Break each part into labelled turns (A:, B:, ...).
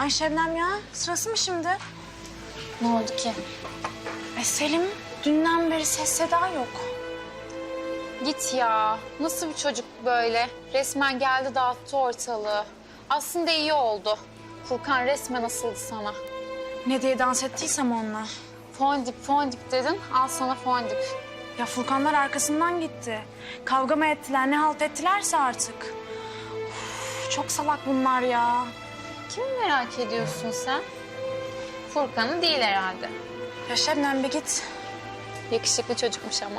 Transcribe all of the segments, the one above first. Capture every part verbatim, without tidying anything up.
A: Ay Şebnem ya, sırası mı şimdi?
B: Ne oldu ki?
A: E Selim, dünden beri ses seda yok.
B: Git ya. Nasıl bir çocuk böyle? Resmen geldi dağıttı ortalığı. Aslında iyi oldu. Furkan resmen asıldı sana.
A: Ne diye dans ettiysem onunla.
B: Fondip fondip dedin, al sana fondip.
A: Ya Furkanlar arkasından gitti. Kavga mı ettiler, ne halt ettilerse artık. Uf, çok salak bunlar ya.
B: Kimi merak ediyorsun sen? Furkan'ı değil herhalde.
A: Ya Şebnem bir git.
B: Yakışıklı çocukmuş ama.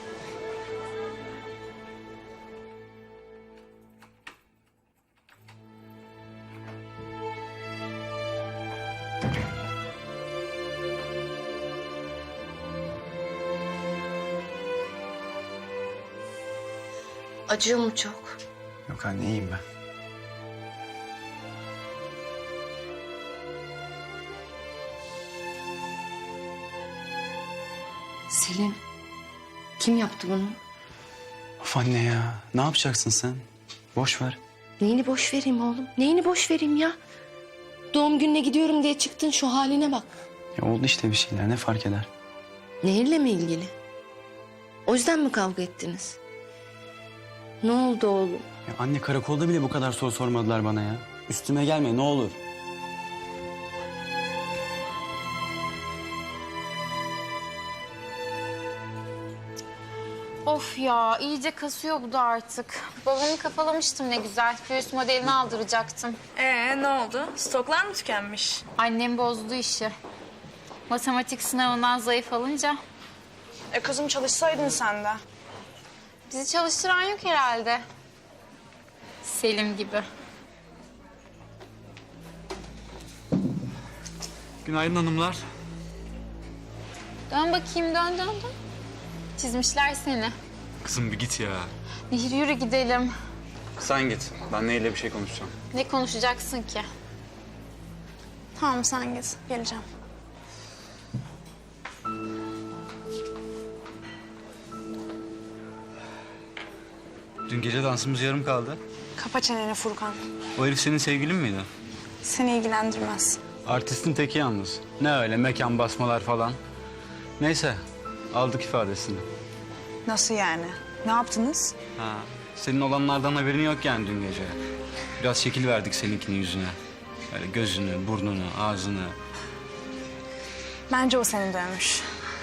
C: Acıyor mu çok?
D: Yok anne, iyiyim ben.
C: Selim, kim yaptı bunu?
D: Of anne ya, ne yapacaksın sen? Boş ver.
C: Neyini boş vereyim oğlum? Neyini boş vereyim ya? Doğum gününe gidiyorum diye çıktın, şu haline bak.
D: Ya oldu işte bir şeyler, ne fark eder?
C: Nehir'le mi ilgili? O yüzden mi kavga ettiniz? Ne oldu oğlum?
D: Ya anne, karakolda bile bu kadar soru sormadılar bana ya. Üstüme gelme ne olur.
B: Of ya, iyice kasıyor bu da artık. Babamı kafalamıştım ne güzel. Göğüs modelini aldıracaktım.
A: Ee ne oldu? Stoklar mı tükenmiş?
B: Annem bozdu işi. Matematik sınavından zayıf alınca
A: E kızım çalışsaydın sen de.
B: bizi çalıştıran yok herhalde. Selim gibi.
D: Günaydın hanımlar.
B: Dön bakayım, dön dön dön. Çizmişler seni.
D: Kızım bir git ya.
B: Nehir yürü gidelim.
D: Sen git. Ben neyle bir şey konuşacağım.
B: Ne konuşacaksın ki?
A: Tamam sen git, geleceğim.
D: Dün gece dansımız yarım kaldı.
A: Kapa çeneni Furkan.
D: O herif senin sevgilin miydi?
A: Seni ilgilendirmez.
D: Artistin teki yalnız. Ne öyle mekan basmalar falan. Neyse, aldık ifadesini.
A: Nasıl yani? Ne yaptınız?
D: Ha, senin olanlardan haberin yok yani dün gece. Biraz şekil verdik seninkinin yüzüne. Böyle gözünü, burnunu, ağzını.
A: Bence o seni dövmüş.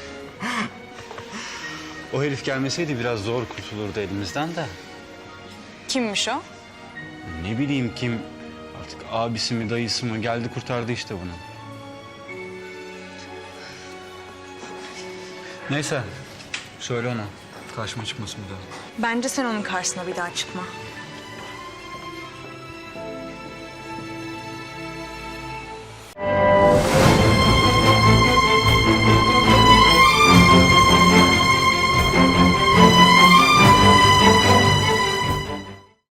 D: O herif gelmeseydi biraz zor kurtulurdu elimizden de.
A: Kimmiş o?
D: Ne bileyim kim, artık abisi mi dayısı mı geldi kurtardı işte bunu. Neyse, söyle ona. Karşıma çıkmasın bir daha.
A: Bence sen onun karşısına bir daha çıkma.